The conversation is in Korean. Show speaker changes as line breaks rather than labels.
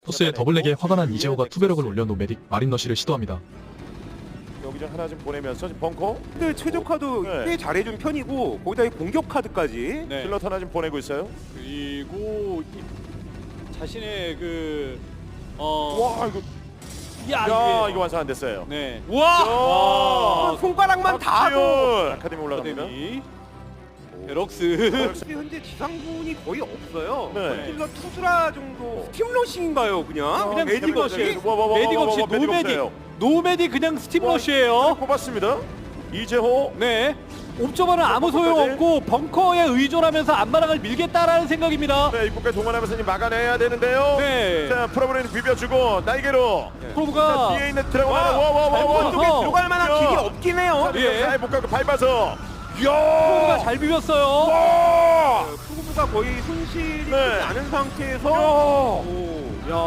토스의 더블렉에 화가 난 이재호가 투배력을 올려 노메딕 마린러시를 시도합니다.
여기저 하나 좀 보내면서 지금 벙커
근데 최적화도
네.
꽤 잘해준 편이고 거기다 이 공격 카드까지.
네.
슬럿 하나 좀 보내고 있어요.
그리고 자신의 그
와 이거
야,
야 이거 완성 안 됐어요.
네.
와
손가락만 다 하고.
아카데미 올라갑니다.
아카데미. 럭스.
현재 지상군이 거의 없어요.
네.
킬러 투수라 정도 스팀러싱인가요 그냥?
그냥
메딕
스팀러시.
없이?
메딕 없이 노메딕. 노메딕 그냥 스팀러시예요.
뽑았습니다. 이재호.
네. 옵저버는 아무 소용 없고 벙커에 의존하면서 앞마당을 밀겠다라는 생각입니다.
네, 입구까지 동원하면서 이제 막아내야 되는데요.
네.
자, 프로브레인 비벼주고 날개로.
프로브가
자, 뒤에 있는 드래곤
와,
하나. 와와와와.
잘 보여서.
들어갈 만한
야.
길이 없긴 해요.
예.
잘 못 가고 밟아서.
프로브가
야.
잘 비볐어요.
와.
프로브가 거의 손실이
네.
나는 상태에서
야.
오.